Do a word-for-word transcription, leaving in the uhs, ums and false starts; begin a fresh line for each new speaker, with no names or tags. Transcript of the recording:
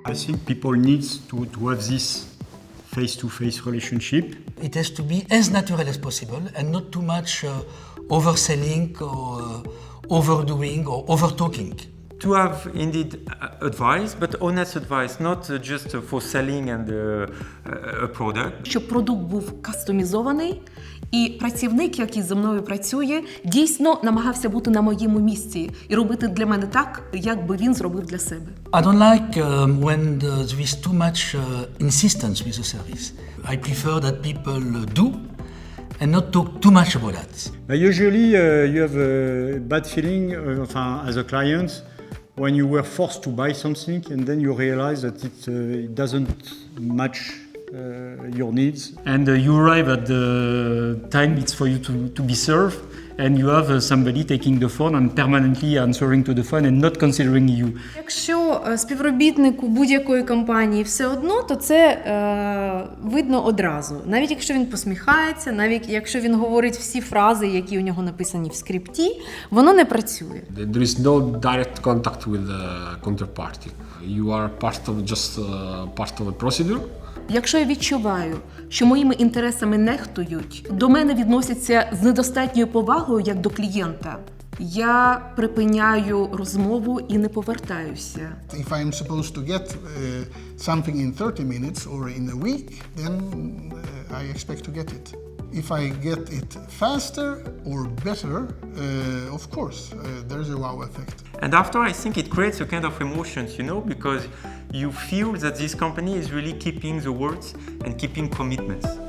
I think people need to, to have this face-to-face relationship.
It has to be as natural as possible and not too much uh, overselling or uh, overdoing or overtalking.
To have indeed uh, advice, but honest advice, not uh, just uh, for selling and uh, uh, a product.
Щоб продукт був кастомізований, і працівник, який зі мною працює, дійсно намагався бути на моєму місці і робити для мене так, як би він зробив для себе.
I don't like um, when there is too much uh, insistence with the service. I prefer that people uh, do and not talk too much about that.
But usually uh, you have a bad feeling uh, enfin, as a client when you were forced to buy something and then you realize that it, uh, it doesn't match uh, your needs.
And uh, you arrive at the time it's for you to, to be served, and you have uh, somebody taking the phone and permanently answering to the phone and not considering you.
Якщо е, співробітнику будь-якої компанії все одно, то це е, видно одразу. Навіть якщо він посміхається, навіть якщо він говорить всі фрази, які у нього написані в скрипті, воно не працює.
There is no direct contact with the counterparty. You are part of just uh, part of a procedure.
Якщо я відчуваю, що моїми інтересами нехтують, до мене відносяться з недостатньою повагою як до клієнта, я припиняю розмову і не повертаюся.
If I'm supposed to get uh, something in thirty minutes or in a week, then uh, I expect to get it. If I get it faster or better, uh, of course, uh, there's a wow effect.
And after, I think it creates a kind of emotions, you know, because you feel that this company is really keeping the words and keeping commitments.